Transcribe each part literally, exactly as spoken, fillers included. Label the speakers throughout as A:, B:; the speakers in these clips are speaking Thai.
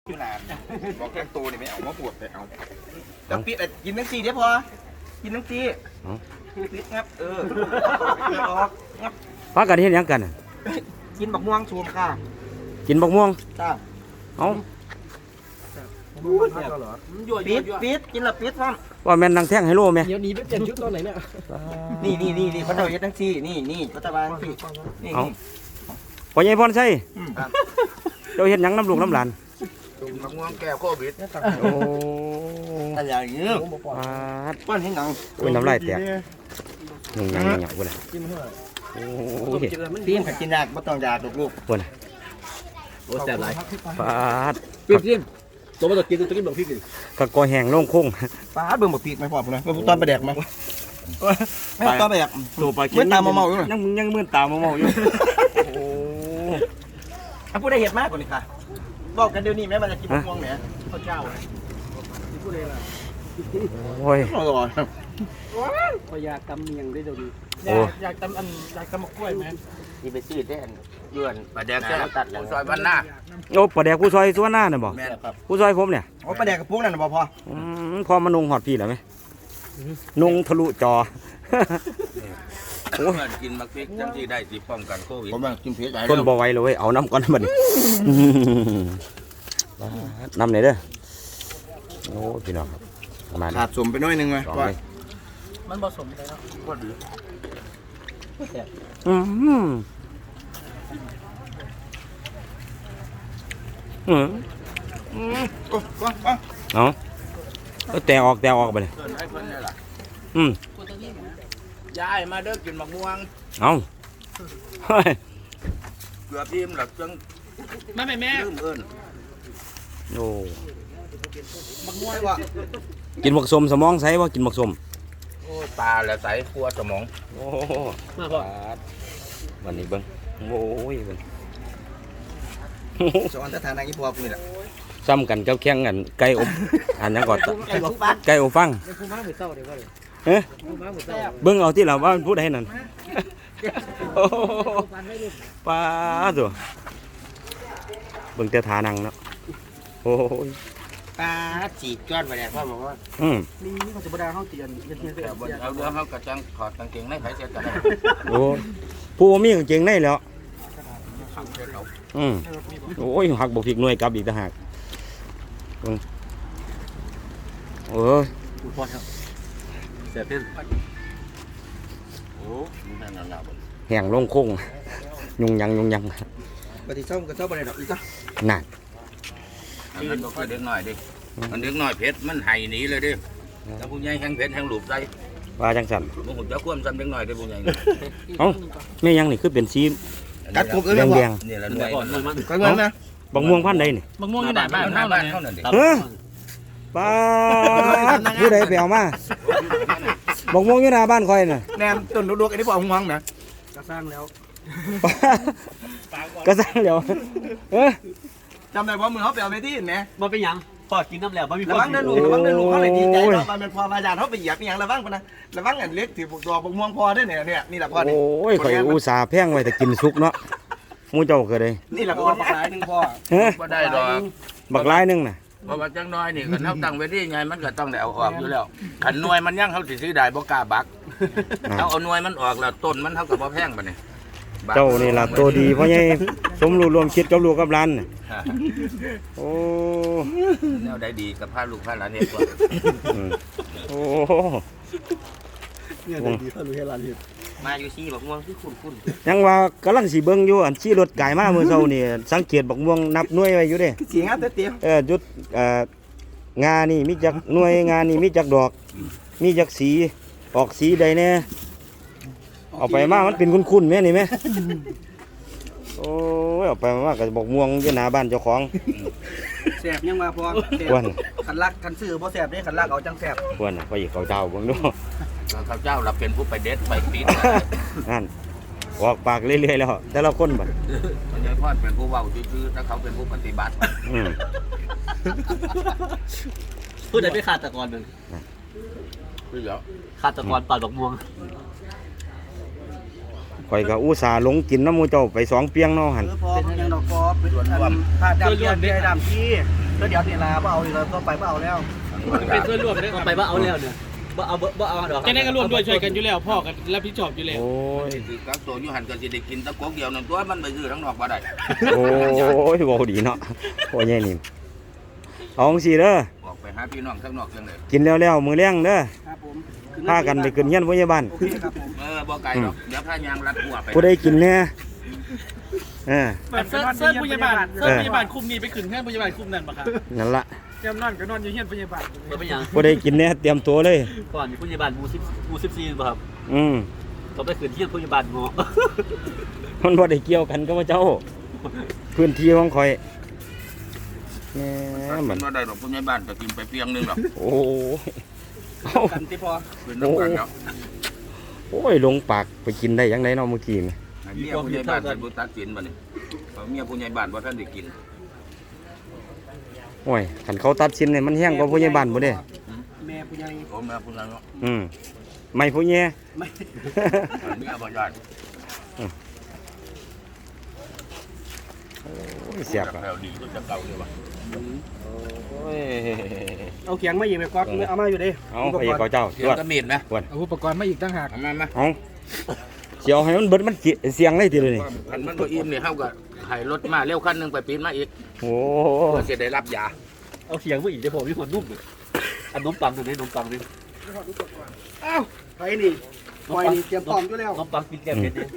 A: อยู่นานบอกแกงโตนี่ไม่เอามาปวดแต่เอาแล้วปิดกินทั้งสี่เดี๋ยวพอกินทั้งสี่ปิดงับเออออกงับ
B: พากันเฮ็ดหยังกันน่ะ
A: กินบักม่วงชูมค่ะ
B: กินบักม่วง
A: จ้า
B: เอ้า
A: ปิดปิดกินละปิดซ้
B: ว่าแม่นนางแท่งไฮโลแม่
C: เดี๋ยวหนี้ไปเปลี่ยนชุดตอนไหนเนี่ย
A: ำนี่นี่นี่นี่เขาเจ้าเฮ็ดทั้งสี่นี่นี่รัฐบาลพี่นี่
B: เอ้าพ่อใหญ่พรชัยเจ้าเฮ็ดหยังน้ำลูกน้ำหลาน
A: กินบักม่วงแก้วโควิด
B: โอ้
A: อะไรอย่างเงี้ย
B: ปาด
A: ป้อนให้หนัง
B: อุ้ยน้ำลายแตกยุ่งยังยังยังพุ่นน่ะ
C: กินเท่าไหร่
B: โอ้ย
A: พี่ขัดกินยากไม่ต้องยาลูกลูก
B: พุ่นน่ะ
C: โอ้แซ่บหลาย
B: ปาด
C: พี่พี่ตัวมาตัวกินตัวกินบอกพี่กิน
B: กะกอแห้งโล่งโค้ง
A: ป้าเบิ่งบักพีกไหมพ่อผมนะตอนไปแดกไหมไม่ตอนไปแดก
B: ตัวปลา
A: เมื่อตามมาเมาอยู่
B: ยังยังมื่นตามาเมาอยู่โอ้
A: อ่ะพูดได้เห็ดมากกว่านี้ค่ะบอกกันเดี๋ยวนี้แม่มันจะกินบักม่วงเนี่ย
C: ข้าวเจ้าที่พูดเลยล่ะ
B: โอ้ย
A: อร่อย
C: พยากรรมเมียงได้เดี๋ยวนี้
B: โอ้
C: อยากตำอันอยากตำมะกล้วยไหม
A: นี่ไปซื้อได้อันยวน
D: ปลาแดกแค่
A: ตัดแล้ว
D: ซอยบ้านหน้า
B: โอ้ปลาแดกผู้ซอยส่วนหน้าน่ะบ่
A: แม่ครับ
B: ผู้ซอยผมเนี่ย
A: โอ้ปลาแดกกับพวกนั่นนะบ่พอ
B: อืมพอมานุงหอดพี่แล้วไหมนุงทะลุจอ
D: เพื่อนกินมักพริกจังที่ได้สิป้องกันโควิด
A: ผมว่ากินเผ็ดใหญ่
B: คนบ่ไหวเลยเว้ยเอาน้ำก่อนบัดนี้ น้ำไหนเด้อโอ้พี่น้องครับประมาณ
A: ขาดสมไปหน้อยนึงไหม
B: สอง
A: ก่อน
B: เลย
C: มันผสมไปแล้ว
A: ก็ดี
B: อืมอืมอืม
A: โอ้ก็ก็
B: เอาเอาแต่ออกแต่ออกไปเลย
D: เพื่อนให้เพื่อนนี่ล่ะ
B: อืม
D: ยายมาเด้อกินมักม่วง
B: เอาเฮ้ย
D: เกือบยิ้มหลับจัง
C: ไม่ไม่แม่
D: ลืมเอิ้น
B: โอ้
A: บักม่วงว่ะ
B: กินบักสมสมองใสว่ากินบักสม
D: โอ้ตาและใสครัวสมอง
B: โอ้
C: มาพ่อ
B: วันนี้เบิ้งโอ้ยเบิ้ง
A: สอนสถานะยี่ปัวกูนี่แหละ
B: ซ้ำกันเจ้าแข่งกันไก่อบอันนั้นก่อน
A: ไอ้บอกฟัน
B: ไก่อบฟัง
C: เป็นผู้ม้าหมูเต้าเดี๋ยวว่าเลย
B: เฮ้ย
C: ผู้ม้าหมูเต้า
B: เบิ้งเอาที่เราว่ามันพูดให้นั่นโอ้โห
C: ฟันไม่รู้
B: ปลาตัวเบิ้งแต่ทานังเนาะโอ้ย
A: ปลาจีบก้อนไปเนี่ยพ่อบอกว่า
B: อืม
C: นี่นี่เขาจะบดาเข้าเตียนเตียนเตียนเตีย
D: แต่
C: น
D: บนเอาเรือเขากระจังถอดกางเกงในไผเสียกันได้
B: โอ้ผู้บ่มีกางเกงในแล้วอืมโอ้ยหักบกผิกหน่วยกลับอีกต่างหากเบิ่งโอ้ย
C: พ่อครับเสียเพื่อน
D: โอ้มึงนั่นน่ะบ่
B: แห้งลงโค้งยุงยังยุงยัง
A: ปฏิส้มกับส้มอะไรดอกอีกก็
B: นั่น
D: อันนั้นบ่คือเด็กน้อยดิมันเด็กน้อยเพชรมันไห้หนีเลยดิแล้วผู้ใหญ่แห้งเพชรแห้งหลูบใส่
B: ว่าจังสัน
D: บ่ฮู้จักความซ้ำเด็กน้อยเด้อผู้ใหญ่
B: เอ้าแม่ยังนี่คือเป็นสี
A: กัดกบเอ้ย
B: แดง
A: พ่อ
B: แดง
D: นี่ละหน่วย
C: ก่อนหน่อยมัน
A: กัดเงินนะ
B: ๆบักม่วงพันธุ์ใดนี่
C: มะม่วงอยู่ไหนบ้าน
D: หน้า
C: เท่าไหร่
D: บ้านเท่านั้นดิ
B: เฮ้ยป้าดผู้ใดไปเอามาบักม่วงอยู่หน้าบ้านคอยน่ะ
A: แนมต้นลูกๆอันนี้พ่อห่วงนะ
C: ก็สร้างแล้ว
B: ก็สร้างเดี๋ยวเอ้ย
A: จำได้ว่ามือเขาไปเอาไปที่ไหน
C: มันเป็นยังพ่อกินน้ำแล้วมันมี
A: ระวังเดินลูกระวังเดินลูกเขาเลยดีใจเนาะมันเป็นพอมาจานเขาไปเหยียบอย่างระวังปะนะระวังอันเล็กถือพวกตัวพวกม่วงพอได้เนี่ยเนี่ยนี่แหละพ่อนี่
B: โอ้ยข่อยอุตส่าห์แพงไว้แต่กินสุกเนาะหมูเจ้าก็เลย
A: นี่แหละ
C: พ่
A: พ่
C: อ
A: อ
C: ปากหลายหนึ่งพ่อ
B: เฮ้ย
D: บ่ได้ดอก
B: บักหลายหนึงน่ะ
D: เพราะว่าจังน้อยนี่คันเฮาตั้งไว้ดีไงมันก็ต้องได้เอาออกอยู่แล้วคันหน่วยมันยังเฮาสิซื้อได้บ่กล้าบัก
B: อ่า
D: เอาเอาหน่วยมันออกแล้วต้นมันเท่ากับว่าแพงปะเนี่ย
B: เจ้านี่ล่ะตัวดีเพราะไงสมรู้ร่วมคิดกับลูกกับหลานน่ะโอ้
D: แนวได้ดีกับพาลูกพาหลานเฮ็ดว่า
B: อืมโอ้
C: เนี่ยดีเขารู้ให้ร้านเห็ด
A: มาอยู่ซี่บอกม่วงที่คุ้นคุ้น
B: ยังว่ากำลังสิเบิ่งอยู่อันขี่รถไก่มาเมื่อเช้านี่สังเกตบักม่วงนับหน่วยไว้อยู่เด้
A: เสียงอ่ะเตี้ย
B: เออจุดเอ่องานี่มีจักหน่วยงานี่มีจักดอก มีจักสีออกสีใดแน่เอาไปมามันเป็นคุ้นๆแม่นี่แม่โอ้ยเอาไปมาก็บอกม่วงอยู่หน้าบ้านเจ้าของ
A: แสบยังมาพอ
B: ควร
A: ขันลักขันซื้อพอแสบได้ขันลักเอาจังแสบ
B: ควรน่ะไปอีกเขาเจ้าเบิ่งดู
D: ข้าเจ้าเราเป็นผู้ไปเด็ดไปปีด
B: นั่นออกปากเรื่อยๆแล้วแต่ละคนบัด
D: มันยังพ่อเป็นผู้เว้าซื่อๆถ้าเขาเป็นผู้ปฏิบัติ
B: อืม
C: พูดได้ไม่ขาดตะกอนหนึ่ง
D: คือเดี๋ยว
C: ขาดตะกอนปาดดอกม่วง
B: ข่อยก็อุตส่าห์หลงกินน้ำหมูเจ้าไปสองเปียงเนาะหั่น
A: เออพอเป็นยังดอกพอเป็นอันผ้าดำเบี้ยเบี้ยดำที่
B: อ
E: แล้วเดี๋ยวนี่ลาเอาเลยเราก็ไปเอาแล้ว
F: เป็นส่วนรวมได้
C: ก็ไปว่าเอาแล้วเนี่ยบ่เอาบ่เอาดอก
F: จะได้ก็ร่วมด้วยช่วยกันอยู่แล้วพ่อกันรับผิดชอบอยู่แล้ว
B: โอ้ย
D: คือกักตัวอยู่หันก็สิได้กินตะกกเดียวนั่นตัวมันไปซื้อทั้งนอกบ่ได้
B: โอ้ยเว้าดีเนาะโอ้ยใหญ่นี่เอาจังซี่เด้อ
D: บอกไปหาพี่น้องข้างนอกจังได๋
B: กินแล้วแล้วมื้อแลงเด้อ
E: ครับผม
B: พากันไปขึ้นเฮียนพยาบาล
E: โอเคครับผม
D: เออบ่ไกลดอกเดี๋ยวพายางรัดหัวไป
B: ผู้ใดกินแน่เออ
F: เซิร์ฟเซิร์ฟพยาบาลเซิร์ฟพยาบาลคุมนี้ไปขึ้นแค่พยาบาลคุมนั่นปะครับ
B: นั่นล่ะ
F: ยามนอนก็นอนอยู่เฮียนพยาบาล
C: บ่เป็นหยัง
B: ผู้ใดกินแน่เตรียมตัวเลย
C: ก่อนมีผู้ใหญ่บ้านหมู่สิบหมู่สิบสี่บ่ครับ
B: อืม
C: ก็ไปขึ้นที่ผู้ใหญ่บ้านเงาะ
B: มันบ่ได้เกี่ยวกันกับว่าเจ้า พื้นที่ของข่อยแหม
D: มั
B: มัน น
D: บ่ได้ดอกผู้ใหญ่บ้านก็กินไปเพียงนึงดอก
B: โอ้ยเอ้า
E: กันที่พอ
D: เป็นน้ำกันดอก
B: โอ้ยลงปากไปกินได้ยังไงเนาะเมื่อกี้นี่
D: ให้เมียผู้ใหญ่บ้านเป็นผู้ตัดสินบัดนี้เอาเมียผู้ใหญ่บ้านบ่ทันได้กิน
B: โอ้ยคันเขาตัดสินเนี่ยมันแห้งกว่าผู้ใหญ่บ้านบ่เด้
E: แม่ผู้ใหญ่
D: โอ้แม่ผู้นั้นเนาะ
B: อืมไม่ผู้ใหญ่
E: ไม่
D: เมียบ่ยอด
B: โอ้ยเสียบอะ
D: แล้วดีกว่าจะเก่าเลยว่ะ
B: โอ้ย
E: เอาเขียงมาอีกไปก๊อตเอามาอยู่ดิ
B: เอาไปเขาเจ้า
D: เสี
B: ต
D: ย
B: ร
D: ง
B: วจ
D: กระมีดไหม
F: เอาอุปกรณ์มาอีกตั้งหาก
D: เอามามา
B: เอาเสียวให้มันเบิดมันจิเสียงเลยทีเลยนี่
D: คันมันบ่อิ่มนี่เฮาก็ให้รถมาเร็วคันหนึงไปปีนมาอีก
B: โอ้
D: เพื่อสิได้รับยา
C: เอาเสียงมาอีกเดี๋ยวผมมีคนนุ่มเลยอันนมปังตัวนี้นมปังนี่
E: อ้าวไปนี่ปล่อยนี่เตรียมพร้อมอยู่แล้ว
C: นมปังกินแก้เผ็ดนี่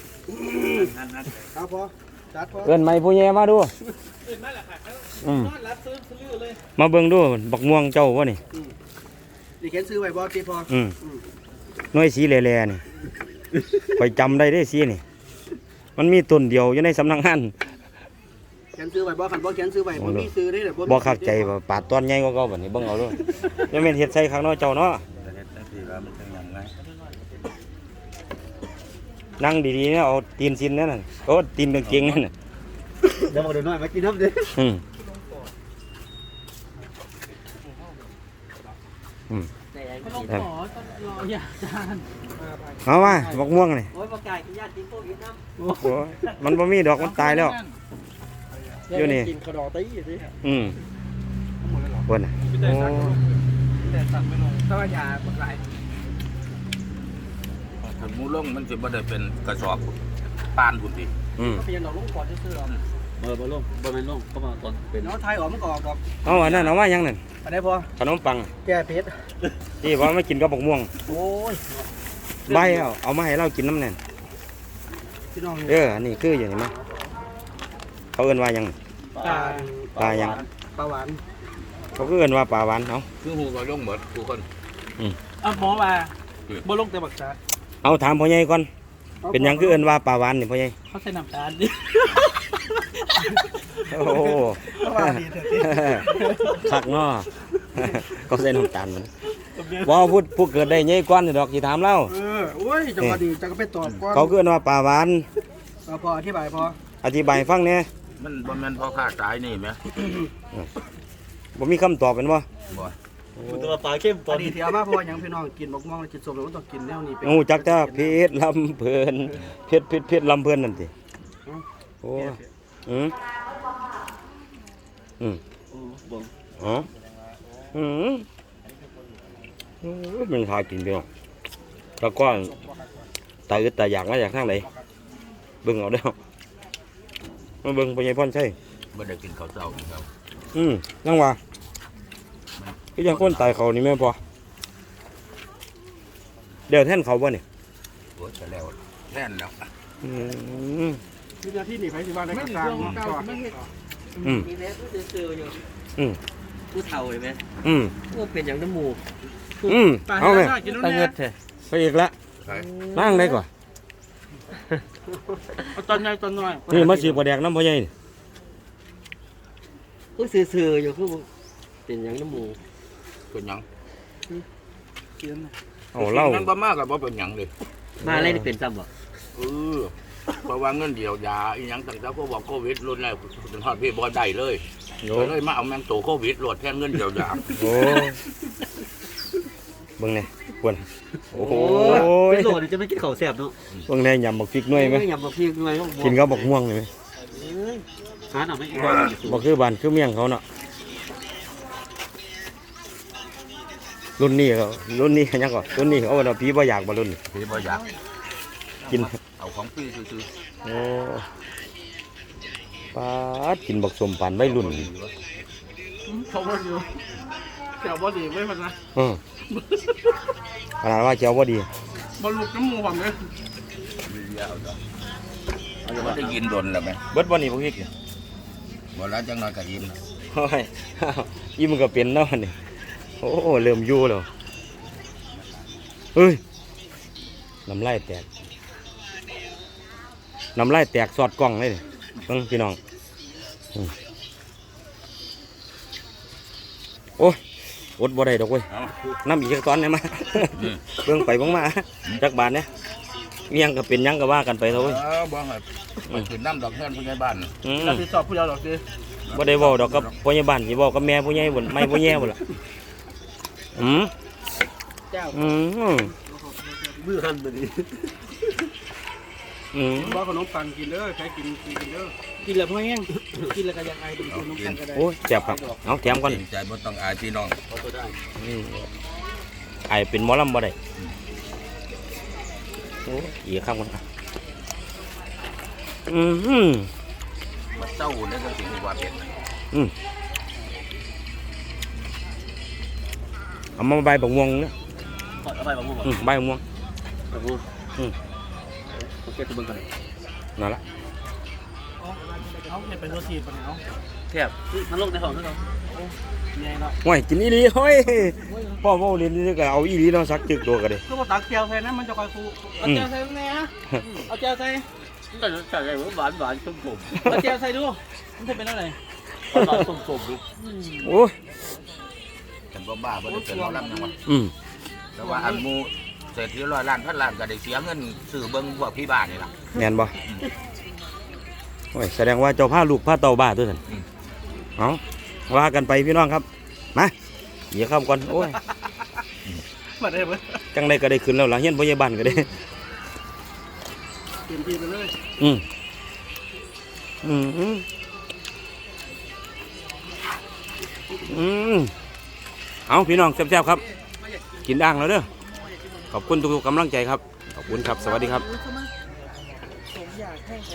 E: เอาพอจัดพอ
B: เอิ้นไม่ผู้ใหญ่มาดูอืม
F: นอนรับซื้อซื้อเลย
B: มาเบิ่งดูบักม่วงเจ้าวะนี่
E: ดิเขียนซื้อไว้บ่ที่พอ
B: อืมหน่วยสีแหล่ๆนี่ไปจำได้ได้สีนี่ มันมีต้นเดียวอยู่ในสำนักงาน
E: เขียนซื้อไว้บ่คันบ่เขียนซื้อไว้บ่มีซื้อได้เด้อ
B: บ่คักใจว่าปาดตอนใหญ่กว่าเก่าบัดนี้เบิ่งเอาด้วยยังแม่นเฮ็ดใส่ข้างนอกเจ้าเนาะนั่งดีๆนะเอาตีนซินนั่นน่ะโอ้ตีนกางเกงนั่นน่ะ
C: เดี๋ยวมาเดี๋ยวน้อยมากินน้ำดิ
B: อืมอืม
F: ลงขอต้องรออย่าจาน
B: เอาว่าบักม่วงนี่
C: โอ้ยประกาศกินยาติดโควิดน้ำ
B: โอ้ยมันบ่มีดอกมันตายแล้ว อยู่นี่
E: กินขนอตี้สิ
B: อืมเพิ่นน่ะโอ้
E: แต่สั่งไปลงถ้าว่ายาหมดหลาย
D: ถ้าหมูลงมันสิบ่ได้เป็นกระสอบปานพุ่นติ
B: อืม
E: ก็เพียงเราลงก่อนซื่อๆหรอก
C: เออบ่ลงบ่แม่นลงเข้ามาตอนเป็น
E: เนาะไทยออกมันก็ออกดอก
B: เอาอันนั้นเอาว่าหยังนั่น
E: อันนี้พอ
B: ขนมปัง
E: แก้เผ็ด
B: ที่ว่าไม่กินกับบักม่วง
E: โอ้ย
B: ใบเอาเอามาให้เรากินน้ำแน่น
E: พี่น้อง
B: เอออันนี้คืออย่างนี้มั้ยเขาเอิ้นว่าหยัง
E: ปลา
B: ปลาหยัง
E: ปลาหวาน
B: เขาก็เอิ้นว่าปลาหวานเอา
D: คือหูก็ลงหมดทุกคน
F: อ่ะหมอมาบ่ลงแต่บักษา
B: เอาถามพ่อใหญ่ก่อนเป็นหยังคือเอิ้นว่าปลาหวานนี่พ่อใหญ่
F: เขาใส่น้ำตาลดิ
B: โอ้โห
E: ปลาหวานดีเถอะพี่
B: คักเนาะ เขาใส่น้ำตาลมันว่าพูดผู้เกิดได้ใหญ่กว่านี่ดอกสิถามเล่า
E: เออโอ้ยจังหวะดีจังก็ไปตอบก่อน
B: เขาคือเอิ้นว่าปลาหวาน
E: เอาพออธิบายพอ
B: อธิบายให้ฟังแหน่
D: มันบ่แม่นพอค่าตายนี่แหม
B: บ่มีคำตอบเป็นบ่
D: บ่
C: คุณตัวปลาเข้มต
E: ต
C: อ
E: อน น
C: นี้
E: นี้ที่เอามาเพราะว่าหยังพี่น้องกินบักม่วงแล้วกินส้มแล้วมันต้องกินแนวนี้เป็น
B: งูจักแต่เพชรลำเพลินเพชรเพชรเพชรลำเพลินนั่นติโอ้อืมอืม
C: โอ้บ่
B: อ๋ออืมโอ้ยมันหากินไปเนาะแล้วก็ตาอึดตาอยากมาจากทางไหนเบิ่งเอาเด้อมาเบิ่งไปยังพ่อนใช่
D: บ่ได้กินข้าวเช้านี่ครับ
B: อืมนั่งว่าก็ยังคนตายเขานี่แม่นพอเดี๋ยวแท่นเขาบ่เนี่ย
D: โอ้จะแล้วแน่นแล้ว
B: อืม
E: วินาทีนี้ไปสิว่าได้กลางๆเนาะ
B: อืม
C: มีแม่ผู้ซื่อๆอยู่
B: อืม
C: ผู้เฒ่าเห็นไหม
B: อืม
C: ว่าเป็นอย่างน้ำมูก
B: อืมเอาไหม
F: กินน้ำ
C: ตา
F: แน่
C: เงิดแท้
B: ไปอีกละ
D: ใช่
B: นั่งได้ก่อน
F: เอาตอนใหญ่ตอนน้อย
B: นี่มาสีประแดกน้ำพ่อใหญ่นี่
C: ผู้ซื่อๆอยู่คือบ่เป็นอย่างน้ำมูก
D: เป็นหยัง
E: กิน
B: เอาเหล่า
D: นั่นบ่มากก็บ่เป็นหยังเลย
C: มาอะไรนี่เป็นซ้ำบ่
D: เออเพราะว่าเงินเดียวยาอีหยังต่างๆก็บอกโควิดรุนแรงจนฮอดพี่บ่ได้เลย
B: โย
D: ก็เลยมาเอาแมงโตโควิดโหลดแทนเงินเดียวยา
B: โอ้เบิ่งเนี่ยควรโอ้โห
C: เป็นโหลดนี่จะไม่กินข้าวแซ่บเนาะ
B: เบิ่งเนี่ยยำบักพริกหน่วยไหม
C: ยำบักพริกหน่วยก็
B: กินกับบักม่วงเลยไหม
C: หาหน่อไม่กิน
B: บ่คือบ้านคือเมียงเขาเนาะรุ่นนี้เขารุ่นนี้ยังก่อนรุ่นนี้เขาเอาผีบ่อยากบ่รุ่นนี้
D: พี่บ่อยาก
B: กิน
D: เอาของพี่ซื้อ
B: โอ้ปาดกินบักสมปันไว้รุ่น
F: เขาบอกอยู่แถวบ่ดีไม่พันนะ
B: เออขนาดว่าเจ้าบ่ดี
F: บอลลูกน้ำมูผมเลย
D: ๆมีเยอะเอาจ้ะเอาจะได้ยินดนแล้วไหม
B: เบิดบ่นี่พวกพี่
D: บ่แล้วจังน้อยก็ยิน
B: โอ้ยยี่มันก็เป็นเนาะนี่โอ้เริ่มอยู่แล้วเฮ้ยน้ำลายแตกน้ำลายแตกสอดกล้องเลยนี่เบิ่งพี่น้องอืมโอ้ยอดบ่ได้ดอกเว้ย
D: เอา
B: น้ำอีกจักตอนเนี่ยมา เบิ่งไปเบิ่งมาจักบาทเนี่ยมีหยังก็เป็นหยังก็ว่ากันไปเถอะเว้ย
D: เออบ่ให้ไปขึ้นน้ำดอกเงินผู้ใหญ่บ้าน
B: อืม
F: เราติดสอบผู้เดียวหรอกดิ
B: บ่ได้เว้าดอกกับพ่อใหญ่บ้านสิเว้ากับแม่ผู้ใหญ่บ่นไม่ผู้ใหญ่บ่ล่ะอืม
F: เจ้า
B: อืม
C: มือหันมาดิ
B: อืม
E: ว่าขนมปังกินเด้อใช้กินกินเด้อ
F: กินแล้วพ่อแห้งกินแล้วก็ยังไงดูขนมปังก็ได้
B: โอ้ยเจ็บครับเอาแถมก่อน
D: เกรงใจบ่ต้องอายพี่น้อง
C: เขาตัวได้
B: อืมไอเป็นหมอลำบ่ได้โอ้ยอีกคำก่อนอ่ะอืมอืม
D: มาเจ้าเนี่ยก็สิว่าเป็น
B: อืมเอามาใบบักม่วงเนี่ย
C: เอาไปบางมุม
B: อืมใบบักม่วง
C: บางมุม
B: อืม
C: โอเคตัวเบิ่งกัน
B: นั่นละ
F: เอาเห็นเป็นตัวสีปะเนี่ยเอา
C: แทบมันลงในห้องด้วยเนาะ
F: ใหญ่เนาะ
B: โอ้ยกินอีหลีเฮ้ยพ่อเว้าเรียนนี่ก็เอาอีหลีเนาะสักจึกตัวก็ได้
F: คือว่าตักเจียวใส่นะมันจะคอยฟูเอาเจียวใส่ตรงไหนฮะเอาเจียวใส่
C: มันก็ใส่อะไรหวานหวานส้มส้ม
F: เอาเจียวใส่ดูมันจะเป็นอะไร
C: หวานส้มส้มดู
B: โอ้ย
D: ฉันบ่บ้าบ่ได้เป็นหมอลำจังหวะ
B: อืม
D: แต่ว่าอันหมูเศรษฐีร้อยล้านพันล้านก็ได้เสียเงินซื้อเบิ่งพวกพี่บ้านนี่ล่ะ
B: แม่นบ่โอ้ยแสดงว่าเจ้าพาลูกพาเต่าบ้าตัวนั้นเอาว่ากันไปพี่น้องครับมาเหยียบข้ามก่อนโอ้ย
F: มาได้ไหม
B: จังได้ก็ได้ขึ้นแล้วหลังเฮียนพยาบาลก็ได้
F: เตรียมทีไปเลย
B: อืมอืมอืมอืมเอาพี่น้องแซ่บๆครับ กินด่างแล้วเด้อขอบคุณทุกๆกำลังใจครับขอบคุณครับสวัสดีครับ